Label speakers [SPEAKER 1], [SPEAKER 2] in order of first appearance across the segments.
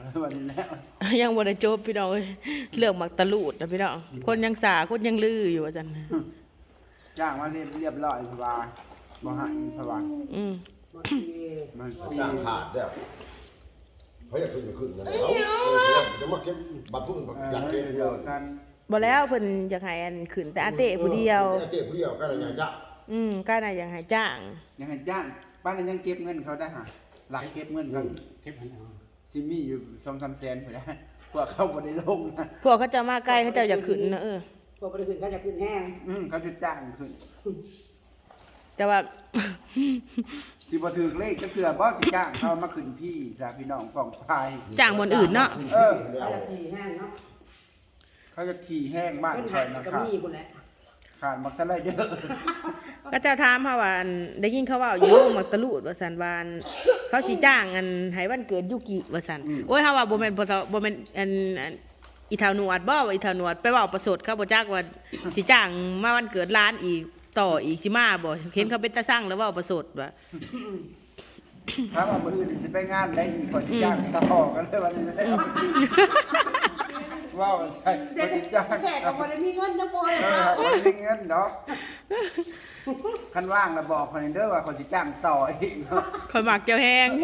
[SPEAKER 1] วันนี้แล้ว
[SPEAKER 2] ยังบ่ได้จบพี่น้องเอ้ยเรื่องหมักตะลูดนะพี่น้องคนยังสาคนยังลืออยู่ว่าซั่น
[SPEAKER 1] จ้างมาเรียบร้อยพะวาบ่หายพะวา มัน
[SPEAKER 3] จ้างขาดแล้วเขาอยากขึ้นก็ขึ้นกันแล้วจะมาเก็บบัตรทุนอยากเก็บ
[SPEAKER 1] เดียวกัน
[SPEAKER 2] บ่แล้วเพิ่นอยากให้อันขึ้นแต่อาเต้ผู้เดียว
[SPEAKER 3] อาเต้ผู้เดียวก็อะไรอย่างเงี้ย
[SPEAKER 2] ก็น่ะอยากให้จ้าง
[SPEAKER 1] ยังให้จ้างบ้านนั้นยังเก็บเงินเขาได้หาหลักเก็บเงินเขา
[SPEAKER 4] เก็บหันเอา
[SPEAKER 1] ซิมีอยู่2-3 แสนพุ่นนะพวกเขาบ่ได้ลงนะ
[SPEAKER 2] พวกเขาจะมาใกล้เขาเจ้าอยากขึ้นนะ
[SPEAKER 5] พวกบริขึ้นเขาจะขึ้นแห้ง
[SPEAKER 1] เขาจะจ้างขึ้น
[SPEAKER 2] แต่ว่า
[SPEAKER 1] สิบ่ถือเลขก็คือบ่สิจ้างเขามาขึ้นพี่สาพี่น้องป้องพาย
[SPEAKER 2] จ้างบนอื่นเนาะ
[SPEAKER 5] เขาจะขี่แห้งเนาะ
[SPEAKER 1] เขาจะขี่แห้งบ้าน
[SPEAKER 5] ขึ้น
[SPEAKER 1] ค
[SPEAKER 5] หั
[SPEAKER 1] อย
[SPEAKER 5] น
[SPEAKER 1] นะ
[SPEAKER 5] กับ
[SPEAKER 1] ครับ
[SPEAKER 5] มีบุญแหละ
[SPEAKER 1] ขาดมักสไลเดอร์
[SPEAKER 2] ก็เจ้าถามเฮาว่าอันได้ยินเขาว่าอยู่หมักตะลูดว่าซั่นว่าอันเขาสิจ้างอันให้วันเกิดยุกิว่าซั่นโอ้ยเฮาว่าบ่แม่นบ่แม่นอันอีเฒ่าหนวดบ่ว่าอีเฒ่าหนวดไปเว้าประสดเขาบ่จักว่าสิจ้างมาวันเกิดร้านอีกต่ออีกสิมาบ่เห็นเขาเป็นตาสั่งแล้วเว้าประสดว่า
[SPEAKER 1] ถ้าว่ามื้ออื่นสิไปงานได้อีกกว่าสิจ้างต่อกันเลยวันนี้นะว้าวใช่ก็สิจ้าง
[SPEAKER 5] แขกกับคนมีเงินนะพ่อ
[SPEAKER 1] บ่ได้เงินดอกคันว่างแล้วบอกคนเด้อว่าเขาสิจ้างต่ออีกเนาะ
[SPEAKER 2] ข่อยมักเจ้าแฮง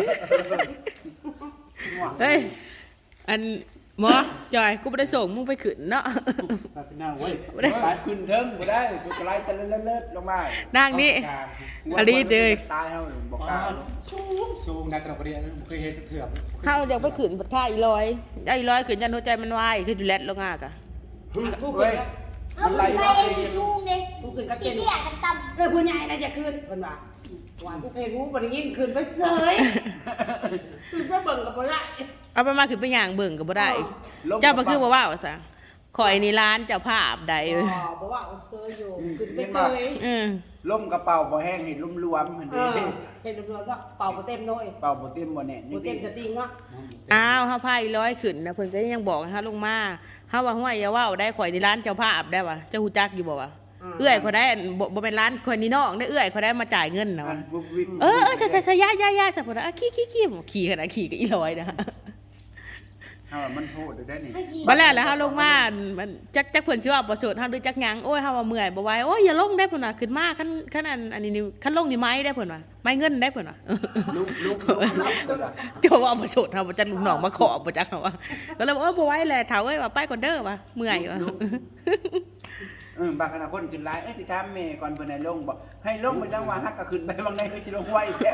[SPEAKER 2] เฮ้ยอันหมอจอยกูบ่ได้ส่งมึงไปขึ้นเนาะ
[SPEAKER 4] ไปเป็นหน้าเว้ย
[SPEAKER 1] บ่ได้ขึ้นเทิงบ่ได้กูกระไรตะเลิศๆลงมา
[SPEAKER 2] นั่งนี่ อลีเด้ย
[SPEAKER 1] ตายเฮาบ่กล้า
[SPEAKER 4] สูงนักกระเรียนเคยเห็นเถื่อน
[SPEAKER 2] เฮาอยากไปขึ้นบัดค่าอีร้อยได้อีร้อยขึ้นยันหัวใจมันวายคือจุแลตลงอ่ะกะ
[SPEAKER 5] ผู้
[SPEAKER 1] เว้
[SPEAKER 5] ขึ้
[SPEAKER 1] ย
[SPEAKER 5] น
[SPEAKER 1] มันไหล
[SPEAKER 6] ไป
[SPEAKER 1] มา
[SPEAKER 6] เองสิชูงดิ
[SPEAKER 5] ผู้ขึ้นก็
[SPEAKER 6] ที่
[SPEAKER 5] เป็น
[SPEAKER 6] เปียกกันต่ำ
[SPEAKER 5] ผู้ใหญ่นะจะขึ้นคนว่าหวานผู้เพลงผู้บริยินขึ้นไปเสยขึ้นไปเบิ่งกับบ่ได้
[SPEAKER 2] เอาไปมาขึ้นไปย่างเบิ่งก็บ่ได้
[SPEAKER 1] ลม
[SPEAKER 2] เจ้าบ่คือบ่ว่าว่าซะข่อยนี่ร้านเจ้าภาพใด
[SPEAKER 5] อ๋อบ่ว่าเสยอยู่ขึ้นไปเสย
[SPEAKER 1] ล่มกระเป๋าบ่แห้งเห็นรวมๆเหมือน
[SPEAKER 5] เอ
[SPEAKER 1] เดิ
[SPEAKER 5] อ
[SPEAKER 1] ม
[SPEAKER 5] เห็นตำรวจว่าเป่าบ่เต็มน้อย
[SPEAKER 1] เป่าบ่เต็มบ่แน่น
[SPEAKER 5] บ่เต็มจะติงเนาะ
[SPEAKER 2] อ้าวเฮาพาอีร้อยขึ้นนะเพิ่นก็ยังบอกให้เฮาลงมาเฮาว่าห้วยอย่าเว้าได้ข่อยนี่ร้านเจ้าภาพได้ว่ะเจ้าฮู้จักอยู่บ่วะเอื้อยข่อยได้บ่เป็นร้านข่อยนี่น้องได้เอื้อยข่อยได้มาจ่ายเงินนะ
[SPEAKER 1] มั
[SPEAKER 2] วะ
[SPEAKER 1] นบุบวิบ
[SPEAKER 2] ใช่ๆๆย่าๆซะพุ่นน่ะขี่ขนาดขี่ก็อีร้อยนะ
[SPEAKER 1] เฮาว่ามันโหดได้นี่
[SPEAKER 2] บัดแล้วเฮาลงมามันจักเพิ่นสิว่าบ่โสดเฮาหรือจักหยังโอ้ยเฮาว่าเมื่อยบ่ไหวโอ้ยอย่าลงได้เพิ่นว่าขึ้นมาคันอันนี้คันลงนี่ไม้ได้เพิ่นว่าไม้เงินได้เพิ่นว่า
[SPEAKER 1] ลุกตัวละ
[SPEAKER 2] เจ้าว่าบ่โสดเฮาบ่จักลูกน้องมาขอบ่จักเฮาว่าก็เลยบ่ไหวแหละเฒ่าเอ้ยว่าไปก่อนเด้อว่าเมื่อยว่า
[SPEAKER 1] บางคณะคนขึ้นหลายสิถามแม่ก่อนเพิ่นให้ลงบ่ให้ลงไปจังว่าฮักก็ขึ้นไปบางในคือสิลงไวแท้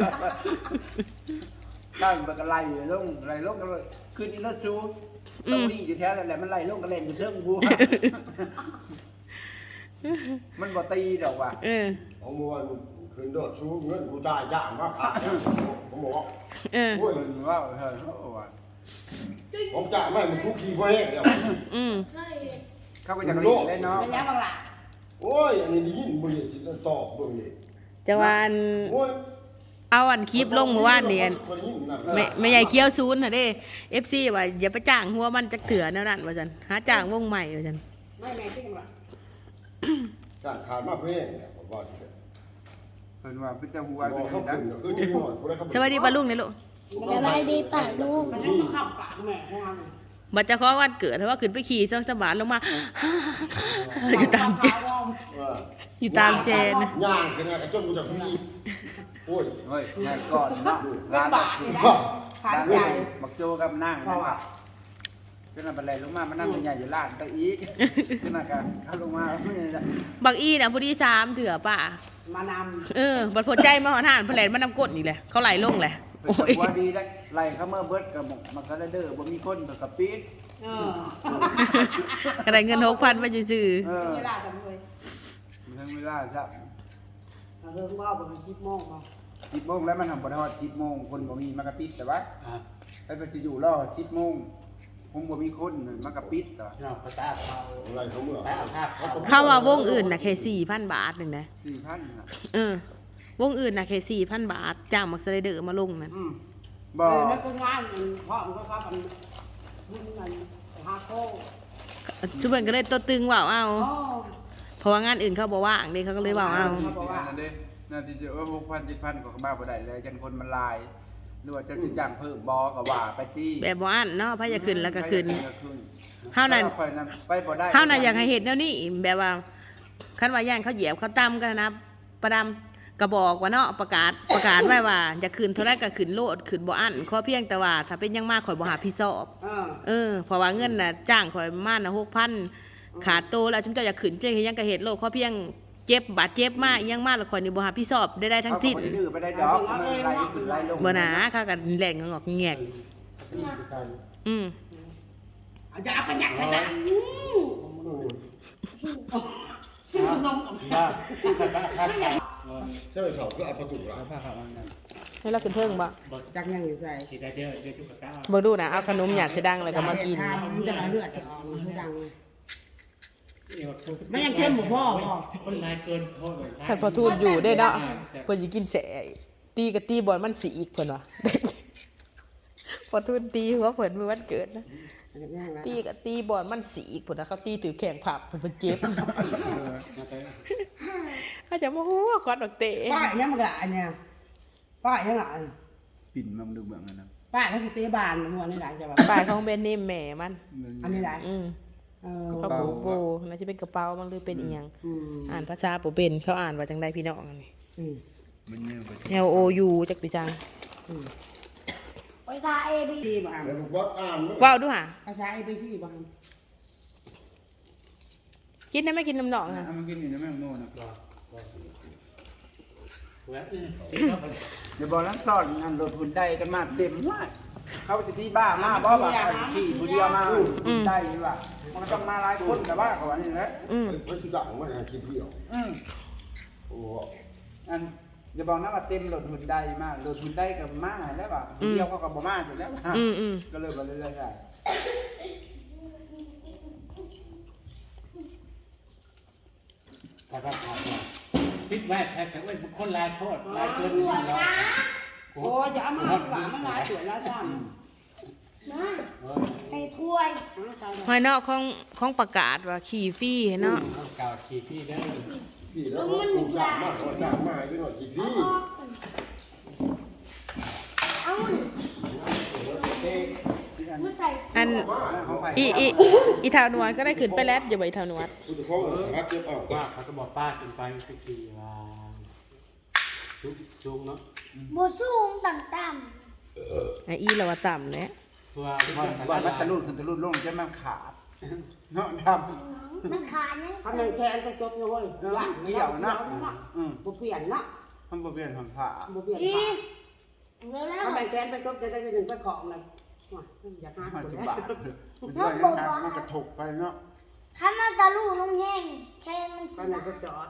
[SPEAKER 1] ตั้งบ่ก็ไล่ลงก็เลยขึ้นอีรถสูต้องรีอยู่แถวนั่นแหละมันไล่ลงก็เล่นอยู่เทิงบัวมันบ่ตีดอกว่ะ
[SPEAKER 3] ของมวนคืนโดดชูเงินกูตายย่างมากขาดผมบอกว่าโอ้ย
[SPEAKER 1] เพิ่นว่าเฮ้ยโอ้ว่า
[SPEAKER 3] ผมจ่ายไม่มันชูขี้พ่อแห้งเดียว
[SPEAKER 1] เขาก็จะรีได้เนาะ
[SPEAKER 5] เป็นยังบางล่ะ
[SPEAKER 3] โอ้ยอันนี้ได้ยินมึงนี่สิตอบมึงนี่
[SPEAKER 2] จังว่าอัน
[SPEAKER 3] โอ้ย
[SPEAKER 2] เอาอันคลิปลงเมื่อวานนี่อันไม่ใหญ่เคี้ยวซูนน่ะเด้ FC ว่าอย่าไปจ้างหัวมันจักเถื่อแนวนั้นว่าซั่นหาจ้างวงใหม่ว่าซั่น
[SPEAKER 5] ไม่แม่ที่กันล่ะ
[SPEAKER 3] การขาดมาเพ่งเนี่ยผมว่าสิ
[SPEAKER 1] เพิ่นว่าเพิ่นจะหัว
[SPEAKER 3] บ
[SPEAKER 1] กั
[SPEAKER 3] อกเขา
[SPEAKER 1] น
[SPEAKER 3] ขึ้นคือที่หมดกูได้ครับ
[SPEAKER 2] สวัสดีป้าลุงนี่ลูก
[SPEAKER 6] สบายดีป่ะลูก
[SPEAKER 5] มันยังมาเข้าปากแม่ของเรา
[SPEAKER 2] บัดเจะขอวันเกิดถ้าว่าขึ้นไปขี่ซองสบานลงมา อยู่ตามเจอยู่ตามเจน
[SPEAKER 3] ย่างกันนะจนกูจะพี่โอ้ย
[SPEAKER 1] เฮ้ยใหญ่ก่อนเนาะ
[SPEAKER 5] เป็นบาทนี่นะขาด
[SPEAKER 1] ร้าน
[SPEAKER 5] ใหญ่
[SPEAKER 1] บักโจกับนาง
[SPEAKER 5] เพราะว่า
[SPEAKER 1] เป็นอะไรลงมามันนั่งใหญ่อยู่ร้านตะอีเป็นอะไรกันเขาลงมาไม่ได้
[SPEAKER 2] บักอีน่ะพอดี3เถื่อป่ะ
[SPEAKER 5] มาน
[SPEAKER 2] บัดพอใจมาหอนหานเพิ่นแล่นมานำกดนี่แหละเขาไหลลงแหละ
[SPEAKER 1] โอ้
[SPEAKER 2] โอ้
[SPEAKER 1] ย
[SPEAKER 2] ย
[SPEAKER 1] ว่าดีแล้วไล่เขาเมื่อเบิดกับมักซาเดอร์บ่มีคนกับปี๊ด
[SPEAKER 5] ำ
[SPEAKER 2] ก็ได้เงิน6,000ไปซื่อ
[SPEAKER 5] เวลาจำเลย
[SPEAKER 1] ทั้งเวลาจ้ะ
[SPEAKER 5] เราเริ่มว่าประมาณ10 โมงมา
[SPEAKER 1] 10 โมงแล้วมันทำบ่ได้ฮอด10 โมงคนบ่มีมากระปิดแต่ว่าไปไปจะอยู่รอ10 โมงผมบ่มีคนมากระปิดต่อ
[SPEAKER 4] เนาะภาษาเขา
[SPEAKER 3] อะไรเขาเมื่อ
[SPEAKER 4] ไปเอาภาพเขา
[SPEAKER 2] ๆเข้าว่าวงอื่นน่ะแค่4,000 บาทนึงนะ
[SPEAKER 1] 4,000น่ะ
[SPEAKER 2] วงอื่นน่ะแค่4,000 บาทจ้างมักสไลเดอร์มาลงนั่น
[SPEAKER 1] บ่
[SPEAKER 5] มันก็งานเพราะมันก็ครับมันฮาโก้
[SPEAKER 2] ทุกคนก็เลยตัวตึงว่าเอา
[SPEAKER 5] อ๋อ
[SPEAKER 2] เพราะว่างานอื่นเขาบ่ว่างเด้เขาก็เลยว่าเอา
[SPEAKER 1] น่าที่จะ6,000 7,000ก็มาบ่ได้แล้วจังคนมันลายหรือว่าจะจ้างเพิ่มบอก็ว่าไปที่
[SPEAKER 2] แบบบ่อันเนาะพะอยากขึ้นแล้วก็ขึ้น เฮา
[SPEAKER 1] เท่า
[SPEAKER 2] นั่น
[SPEAKER 1] ไปบ่ได้
[SPEAKER 2] เฮาน่ะอยากให้เฮ็ดแนวนี้แบบว่าคันว่าย่านเขาเหยียบเขาตำกันนะประดำก็บอกว่าเนาะประกาศไว้ว่าอยากขึ้นเท่าไรก็ขึ้นโลดขึ้นบ่อันขอเพียงแต่ว่าถ้าเป็นหยังมากข่อยบ่หาพี่สอบ เพราะว่าเงินน่ะจ้างข่อยมาน่ะ6,000ขาดโตแล้วจุมเจ้าอยากขึ้นเจ๊เฮ็ดหยังก็เฮ็ดโลดขอเพียงเจ็บบาดเจ็บมาอิหยังมาแล้วข่อยนี่บ่หาพี่สอบได้ทั้งสิ้น
[SPEAKER 1] เขาก็บ่ได้ดื้อไปได้ดอกมันไล่ขึ้นไล่ลง
[SPEAKER 2] บ่หนาค่ะก็แล่นงอกแงกอืม
[SPEAKER 5] อย่าเอาไปยัดขนาดกินขนม
[SPEAKER 4] บ้าที่จะบ้าข้าวไก่
[SPEAKER 3] ใช่ไหมเขาก็เอาประตูละ
[SPEAKER 4] ผ้าขาวมันนั่น
[SPEAKER 2] ให้เราขึ้นเทิงบ่
[SPEAKER 5] จักยังอยู่ใส่
[SPEAKER 4] สีได้เด้อเดี๋ยวจุกกะก้า
[SPEAKER 2] บ่ดูนะเอาขนมหยาดสิดังแล้วก็มากิน
[SPEAKER 5] มันจะเลือดจะออกมันดัง
[SPEAKER 4] นี่ว่า
[SPEAKER 5] มันยังเข้มบ่พ่อ
[SPEAKER 4] คนลายเกินโทษเลย
[SPEAKER 2] ท่านพอทูลอยู่ได้เนาะเพิ่นสิกินแสตีกับตีบอลมันสีอีกเพิ่นว่า พอทูลตีหัวเพิ่นมื้อวันเกิดนะตีกับตีบอลมันสีอีกเพิ่นว่าเขาตีถือแข่งผับเพิ่นเจ็บเขาจะมาฮู้ว่าคอดดอกเตะ
[SPEAKER 5] ป้ายยังมันก็อันเนี่ยป้ายยังอ่ะ
[SPEAKER 1] ปิ่นมาดูเบื้องนั้นนะ
[SPEAKER 5] ป้ายเขาสิเตะบานหัวนี่หลังจะแบบ
[SPEAKER 2] ปลายของแบรนด์เนมแม่มัน
[SPEAKER 5] อันนี้หลัง
[SPEAKER 2] เขาปูโบน่าจะเป็นกระเป๋ามันหรือเป็นอีหยังอ่านภาษาบ่เป็นเขาอ่านว่าจังไดพี่น้องอันนี้
[SPEAKER 1] มันเนื้อไป
[SPEAKER 2] L O U จักปีจัง
[SPEAKER 6] ภาษา A B
[SPEAKER 5] ดีบ่
[SPEAKER 3] แล้วผมว่าอ่าน
[SPEAKER 2] ว้าวดูหา
[SPEAKER 5] ภาษา ABC บ่
[SPEAKER 2] กินได้ไหมกินน้ำหนองอ่ะ
[SPEAKER 1] เอามันกินอยู่ในแม่งโน่นนะ
[SPEAKER 4] แล้วจริงก็
[SPEAKER 1] เดี๋ยวบอกนั้นสอนงานรถหุ่นได้กันมาเต็มว่าเขาจะที่บ้ามาบ่ว่าขี่ผู้เดียวมาได้หรือว่ามันก็ต้องมาหลายคนแต่ว่าเขาว่านี่แหละ
[SPEAKER 3] เพื่อนที่สั่งว่าจะคิดเดียวโอ้
[SPEAKER 1] อันเดี๋ยวบอกนะว่าเต็มรถหุ่นได้มากรถหุ่นได้กับมาแล้วว่าผู้เดียวเขาก็บ่มาอยู่แล้วว่าก็เลยบ่เรื่อยๆได้
[SPEAKER 4] แต่ก็ผ่านมาพิษแวดแท้สังเวยคนลายโทษลายเกินไปแล้ว
[SPEAKER 5] โอ้ยอย่าเอามาหวานมันหลายสวยแล้วจ้า
[SPEAKER 6] นะใส่ถ้วย
[SPEAKER 2] หอยเนาะของประกาศว่าขี่ฟรีเนาะ
[SPEAKER 4] เก่าขี่ที่เด้อ
[SPEAKER 3] พี่แล้วกูสั่งมากกว่าสั่งมาด้วยหน่อยคิดพี่
[SPEAKER 6] เอามาใส่
[SPEAKER 2] อัน
[SPEAKER 1] ของไป
[SPEAKER 2] อีเท่านวลก็ได้ขึ้นไปแล้วอย่าไปเท่านวล
[SPEAKER 3] กูจะฟ้องหาเก็บเอา
[SPEAKER 4] ว่าเขาก็บอกป้ากินไปขี่ว่าจุกเนาะ
[SPEAKER 6] โบสูงต่ำ
[SPEAKER 2] ไอ้อีเราว่าต่ำเลย
[SPEAKER 4] ตัว
[SPEAKER 1] ว่ามันตะลุดขึ้นตะลุดลงจะมันขาดเนาะด
[SPEAKER 6] ๆมันขาดนะ
[SPEAKER 5] ทำมันแทนไปจบเลยเกี่ยวนะบ่เปลี่ยนนะ
[SPEAKER 1] ำมันบ่เปลี่ยนของขา
[SPEAKER 5] บ่เปลี่ยน
[SPEAKER 6] อี
[SPEAKER 5] ค่ะ
[SPEAKER 6] แล้ว
[SPEAKER 5] ทำมันแทนไปจบจะได้หนึ่งไปของเลยอยากหา
[SPEAKER 1] มัน
[SPEAKER 5] คน
[SPEAKER 1] สิ
[SPEAKER 5] แล้
[SPEAKER 1] บาทมันด้วยนะมันกระถกไปเนาะ
[SPEAKER 6] ข้ามันตะลุลงแห้งแค่มัน
[SPEAKER 5] ก็
[SPEAKER 6] สิ
[SPEAKER 5] นั่นก็จอด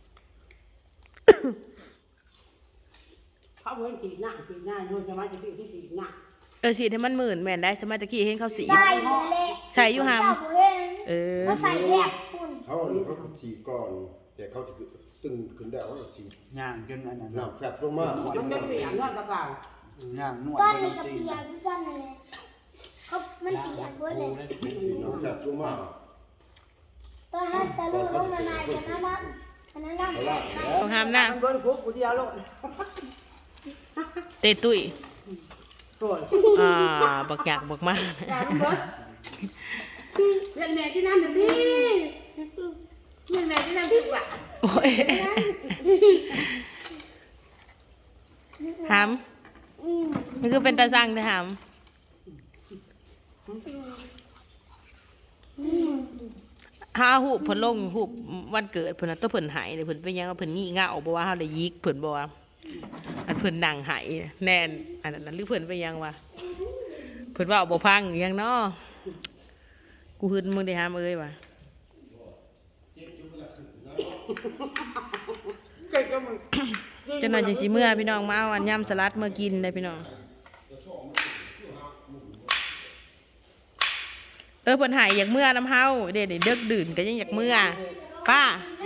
[SPEAKER 5] เขาเพิ่นตีหน้าโยนจะมาจะตีหน้า
[SPEAKER 2] สีให้มันหมื่นแม่นได้สมัยตะกี้เห็นเขาสี
[SPEAKER 6] ใส่เลย
[SPEAKER 2] ใส่อยู่หาม
[SPEAKER 6] มาใส่แทบคุณ
[SPEAKER 3] เขาฉีก่อนแต่เขาจะตึงขึ้นได้ว่าฉี
[SPEAKER 1] ย่างจนอันนั้น
[SPEAKER 3] น้ำแฟบลงมา
[SPEAKER 5] มันจะเปลี่ยนเรื่องเก่า
[SPEAKER 1] ย่างนวด
[SPEAKER 6] ก้อนนี้กับเปียกคือกันเลยเขามันเปียกด้วยเลย
[SPEAKER 3] น้ำแฟบลงมา
[SPEAKER 6] ตอนนั้นตะลุลงมาในกันนั้นใส่
[SPEAKER 2] ของหามหน้า
[SPEAKER 5] มันโดนคุกกูเดียวแล้ว
[SPEAKER 2] เตะตุ้ย
[SPEAKER 5] โกรธ
[SPEAKER 2] บักหยักบักมาก
[SPEAKER 5] อย่าลุงเบิร์ดเพื่อนแม่ที่นั่นเดี๋ยวพี่เพื่อนแม่ที่นั่นพี่ว่ะ
[SPEAKER 2] โอ้ยหามมันคือเป็นตาสั่งแต่หามห้าหูบเพิ่นลงหูบวันเกิดเพิ่นน่ะตัวเพิ่นหายเลยเพิ่นไปยังว่าเพิ่นงี่เง่าบ่ว่าเฮาได้ยิกเพิ่นบ่ว่าอันเพิ่นนั่งหายแน่นอันนั้นหรือเพิ่นไปยังว่าเพิ่นว่าบ่พังอีหยังเนาะกูหึนมึงได้หามเอ้ยว่ะ จังหน่อยจังสิเมื่อพี่น้องมาเอาอันยำสลัดเมื่อกินได้พี่น้องเพิ่นหายอยากเมื่อน้ำเฮาเด็ดเด็กดื่นก็ยังอยากเมื่อป้า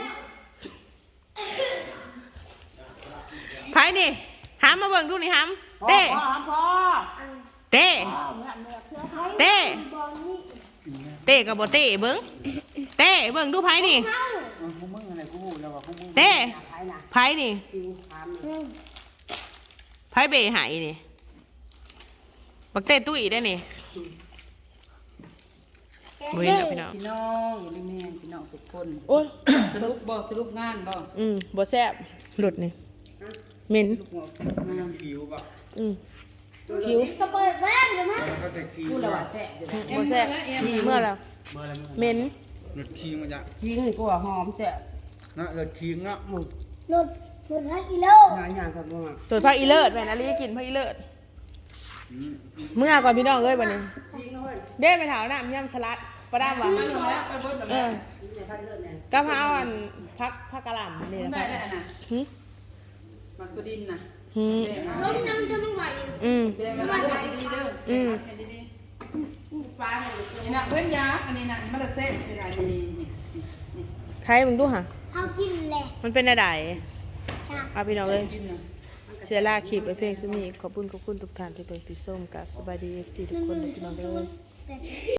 [SPEAKER 2] ไผนี่หามมาเบิ่งดูนี่หามเต้
[SPEAKER 5] พ่อ
[SPEAKER 2] เต้เต้
[SPEAKER 6] บอลนี่
[SPEAKER 2] เต้กับบ่เต้เบิ่งเต้เบิ่งดูไผนี่
[SPEAKER 1] กูมึงอะไรกูแล้วว่ากูมึง
[SPEAKER 2] เต้
[SPEAKER 5] ใครนะ
[SPEAKER 2] ไผนี่
[SPEAKER 5] จริงทำ
[SPEAKER 2] ไผเบหายนี่บักเต้ตุ้ยได้นี่บ่เห็นแล้วพี่น้อง
[SPEAKER 7] พี่น้องอยู่ในแม่พี่น้องทุกคน
[SPEAKER 2] โอ้ย
[SPEAKER 7] สรุปงานบ่
[SPEAKER 2] บ่แซ่บหลุดนี่เหม็น
[SPEAKER 1] ยังคิวบ่
[SPEAKER 2] คิ้ว
[SPEAKER 6] ก็เปิดแว่นเลยมั้ย
[SPEAKER 1] ก็จะคิว
[SPEAKER 5] พูดแล้วว่าแซ่บอยู่
[SPEAKER 2] บ่แซ่บเมื่อแล้ว
[SPEAKER 4] เมื่อไร
[SPEAKER 2] เหม็น
[SPEAKER 1] รถคิวมันจะ
[SPEAKER 5] ทิ้งกูว่าหอมแซ่บ
[SPEAKER 1] นะรถคิวเนาะ
[SPEAKER 6] หลุด5 กิโล
[SPEAKER 5] หาอย่างกับบ่มา
[SPEAKER 2] ตัวพักอีเลิศแม่นอลีกินพักอีเลิศเมื่อก่อนพี่น้องเอ้ยบัดนี้เด้ไปถาวน้ำยำสลัดปลาดามว่ะ
[SPEAKER 7] ไปลงแล้วไปเบิดแล้ว
[SPEAKER 2] ก็พาเอาอันพักกะหล่ำนี่นะ
[SPEAKER 7] ได้ได้อันน่ะ
[SPEAKER 2] หึ
[SPEAKER 7] มักตัวดินน่ะ
[SPEAKER 2] หึ
[SPEAKER 7] แบ่ง
[SPEAKER 6] ล้มน้ำจะไม่ไหว
[SPEAKER 7] แบ่งกันให้ดีๆเด้อให้ดี
[SPEAKER 5] ฟ้าเนี่ย
[SPEAKER 7] ๆนี่น่ะเพิ่นยาอันนี้น่ะมันละเซ่สิได้นี่นี่
[SPEAKER 2] ใครมึงดูหะ
[SPEAKER 6] เฮากินแหละ
[SPEAKER 2] มันเป็นอะไร
[SPEAKER 6] จ้ะ
[SPEAKER 2] เอาพี่น้องเอ้ย
[SPEAKER 7] กินน่ะ
[SPEAKER 2] เสียลาคลิปไปเพียงซุนี้ขอบคุณทุกท่านที่เปิดติดส้มกับสบายดีจีทุกคนนะพี่น้องเด้อ
[SPEAKER 6] 0